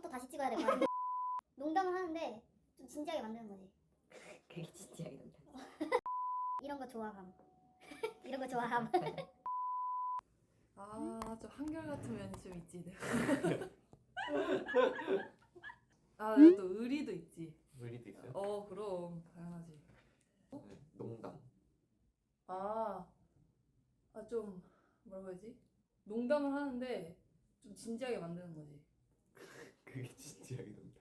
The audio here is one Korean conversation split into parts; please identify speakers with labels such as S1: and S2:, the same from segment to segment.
S1: 또 다시 찍어야 될 거 같아. 농담을 하는데 좀 진지하게 만드는 거지.
S2: 그게 진지하게 된다.
S1: 이런 거 좋아함. 이런 거 좋아함.
S3: 아, 좀 한결같은 면이 좀 있지. 내가. 아, 내가 또 의리도 있지.
S4: 의리도 있어요?
S3: 그럼 당연하지.
S4: 네, 농담.
S3: 좀 뭐라고 해야지? 농담을 하는데 좀 진지하게 만드는 거지.
S4: 그게 진지하게 농담.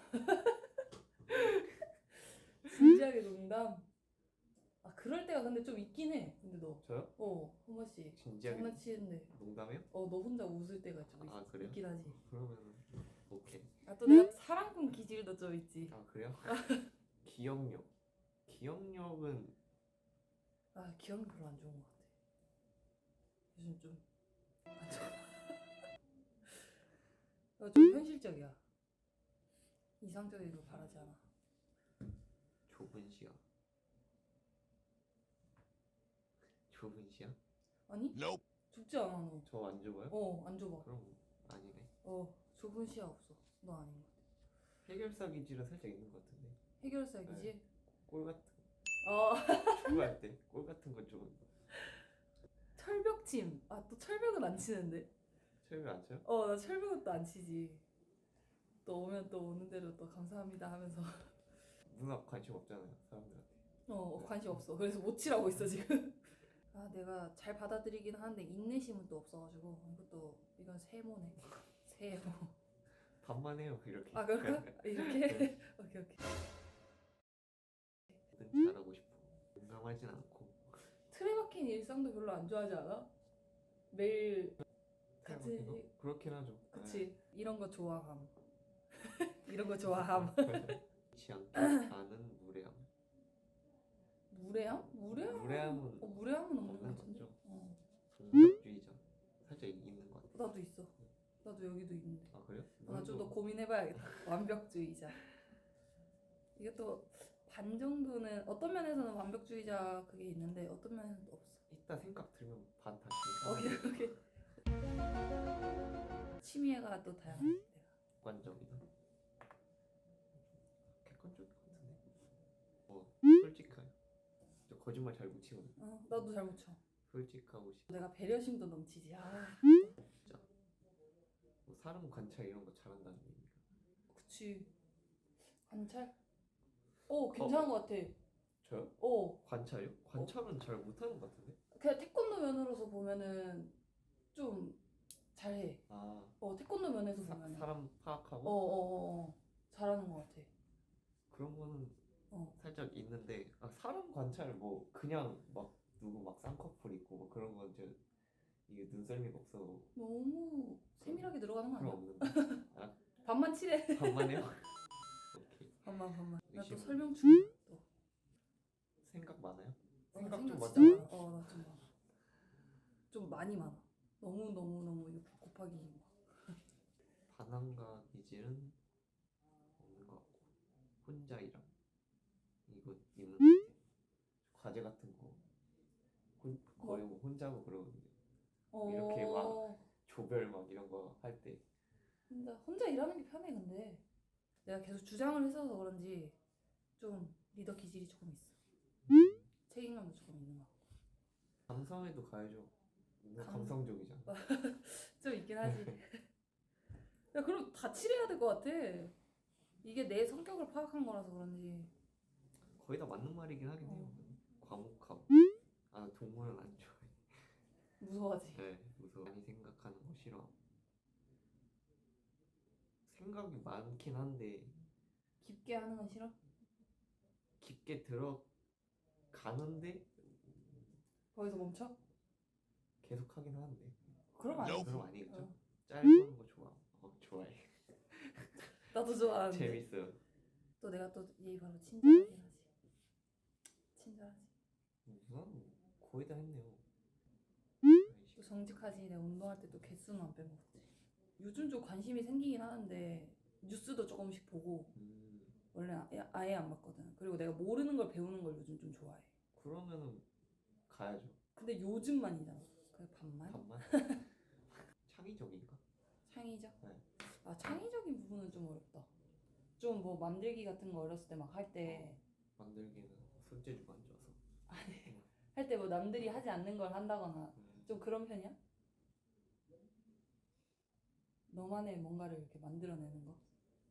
S3: 진지하게 농담. 그럴 때가 근데 좀 있긴 해. 근데 너.
S4: 저요?
S3: 한 번씩
S4: 진지하게
S3: 장난치는데.
S4: 농담해요?
S3: 너 혼자 웃을 때가 좀
S4: 그래요?
S3: 있긴 하지.
S4: 그러면은 오케이.
S3: 또 내가 사랑꾼 기질도 좀 있지.
S4: 그래요? 기억력. 기억력은
S3: 기억이 별로 안 좋은 것 같아. 요즘 좀 안 좋아. 좀 현실적이야. 이상적이길 바라지 않아.
S4: 좁은 시야. 좁은 시야?
S3: 아니? 좁지 않아 너.
S4: 저 안 좁아요?
S3: 안 좁아.
S4: 그럼 아니네.
S3: 좁은 시야 없어. 너 아닌 것 같아.
S4: 해결사 기질은 살짝 있는 것 같은데.
S3: 해결사 기질?
S4: 꼴 같은
S3: 어.
S4: 축구할 때 꼴 같은 거 좀.
S3: 철벽침. 또 철벽은 안 치는데.
S4: 철벽 안 쳐요?
S3: 나 철벽은 또 안 치지. 또 오면 또 오는 대로 또 감사합니다 하면서.
S4: 문학 관심 없잖아요 사람들한테.
S3: 관심 없어. 그래서 못 치라고 있어 지금. 내가 잘 받아들이긴 하는데 인내심은 또 없어가지고 이건 세모네. 세모.
S4: 반만 해요 이렇게.
S3: 그럴까? 이렇게?
S4: 네.
S3: 오케이.
S4: 뭐든 잘하고 싶어. 공감하진 않고.
S3: 틀에 박힌 일상도 별로 안 좋아하지 않아? 매일 같은
S4: 거? 그렇긴 하죠.
S3: 그치. 이런 거 좋아함. 이런 거 좋아함.
S4: 지 않게 아는 무례함.
S3: 무례함?
S4: 무례함은
S3: 무례함은 없는 것
S4: 없는
S3: 같은데.
S4: 거죠. 완벽주의자 살짝 있는 것 같아.
S3: 나도 있어. 나도 여기도 있는데.
S4: 그래요?
S3: 좀 더 고민해봐야겠다. 완벽주의자. 이게 또 반 정도는 어떤 면에서는 완벽주의자 그게 있는데 어떤 면에서는 또 없어.
S4: 이따 생각 들면 반 다시.
S3: 오케이. 취미가 또 다양해. 내가.
S4: 객관적이다. 객관적인 것 같은데. 솔직해요. 저 거짓말 잘 못 치거든요.
S3: 나도 잘 못 쳐.
S4: 솔직하고
S3: 내가 배려심도 넘치지.
S4: 진짜. 사람 관찰 이런 거 잘한다는 얘기가.
S3: 그치. 관찰? 괜찮은 것 같아.
S4: 저요? 관찰요? 관찰은 잘 못하는 것 같은데.
S3: 그냥 태권도 면으로서 보면은 좀 잘해. 태권도 면에서 보면은.
S4: 사람 파악하고.
S3: 잘하는 것 같아.
S4: 그런 거는 살짝 있는데 사람 관찰 그냥 막 누구 막 쌍꺼풀 있고 그런 건 이게 눈썰미가 없어.
S3: 너무 세밀하게 들어가는 거
S4: 그런
S3: 아니야?
S4: 없는데.
S3: 반만 칠해.
S4: 반만 해요? 오케이.
S3: 반만. 나 또
S4: 의심.
S3: 설명 중이야. 또.
S4: 생각 많아요?
S3: 생각
S4: 좀
S3: 진짜
S4: 많죠?
S3: 많아. 나 좀 많아. 좀 많이 많아. 너무 이거 곱하기 막.
S4: 반항과 기질은 없는 것 같고 혼자 일함 이거 있는 것 같아. 과제 같은 거 거의 혼자 하고 그러거든요. 이렇게 막 조별 막 이런 거 할 때
S3: 혼자 일하는 게 편해. 근데 내가 계속 주장을 했어서 그런지 좀 리더 기질이 조금 있어. 책임감도 조금 있는 것 같고.
S4: 감성에도 가야죠. 감성적이잖아.
S3: 좀 있긴 하지. 야, 그럼 다 칠해야 될 것 같아. 이게 내 성격을 파악한 거라서 그런지.
S4: 거의 다 맞는 말이긴 하긴 해요. 과묵하고. 동물은 안 좋아해.
S3: 무서워하지.
S4: 네, 무서워. 많이 생각하는 거 싫어. 생각이 많긴 한데
S3: 깊게 하는 건 싫어?
S4: 깊게 들어가는데
S3: 거기서 멈춰?
S4: 계속 하긴 하는데.
S3: 그럼 아니지.
S4: 그럼 아니겠죠. 짧은 거 좋아해.
S3: 나도 좋아하는데.
S4: 재밌어요.
S3: 또 내가 또 얘 바로 친절하긴 하지. 친절하지.
S4: 거의 다 했네요.
S3: 또 정직하지. 내가 운동할 때 또 개수는 안 빼먹었지. 요즘 좀 관심이 생기긴 하는데 뉴스도 조금씩 보고 원래 아예 안 봤거든. 그리고 내가 모르는 걸 배우는 걸 요즘 좀 좋아해.
S4: 그러면은 가야죠.
S3: 근데 요즘만이잖아. 그래 반만?
S4: 창의적인가?
S3: 창의적?
S4: 네.
S3: 아 창의적인 부분은 좀 어렵다. 좀 뭐 만들기 같은 거 어렸을 때 막 할 때
S4: 만들기는 손재주가 안 좋아서.
S3: 할 때 뭐 남들이 하지 않는 걸 한다거나
S4: 음,
S3: 좀 그런 편이야? 너만의 뭔가를 이렇게 만들어내는 거?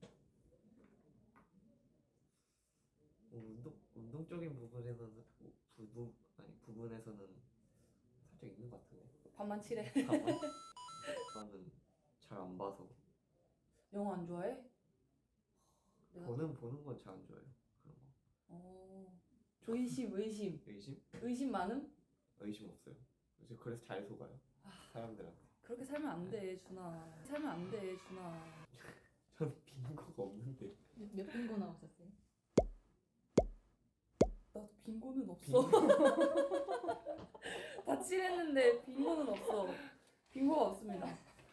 S4: 운동적인 부분에서는 부분에서는 살짝 있는 것 같은데.
S3: 반만 칠해.
S4: 나는 잘 안 봐서
S3: 영화 안 좋아해? 내가
S4: 보는 건 잘 안 좋아해요. 그런 거.
S3: 의심
S4: 의심?
S3: 의심 많음?
S4: 의심 없어요. 그래서 잘 속아요. 사람들한테.
S3: 그렇게 살면 안 돼, 준아. 살면 안 돼, 준아.
S4: 저는 빙고가 없는데.
S2: 몇 빙고 나오셨어요?
S3: 나도 빙고는 없어. 다 칠했는데 빙고는 없어. 빙고가 없습니다.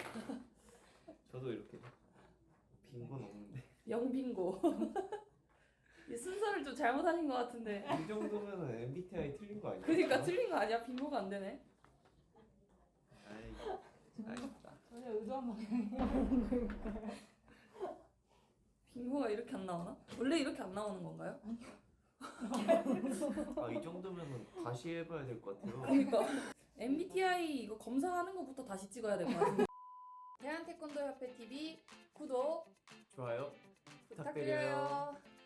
S4: 저도 이렇게 빙고는 없는데.
S3: 영빙고. 이 순서를 좀 잘못하신 것 같은데.
S4: 이 정도면은 MBTI 틀린 거 아니야?
S3: 그러니까 틀린 거 아니야? 빙고가 안 되네.
S4: 아쉽다.
S2: 전혀 의도한 방향이
S3: 빙고가 이렇게 안 나오나? 원래 이렇게 안 나오는 건가요?
S4: 이 정도면은 다시 해봐야 될 것 같아요.
S3: 그러니까 MBTI 이거 검사하는 것부터 다시 찍어야 될 것 같은데. 대한태권도협회 TV 구독
S4: 좋아요.
S3: 부탁드려요.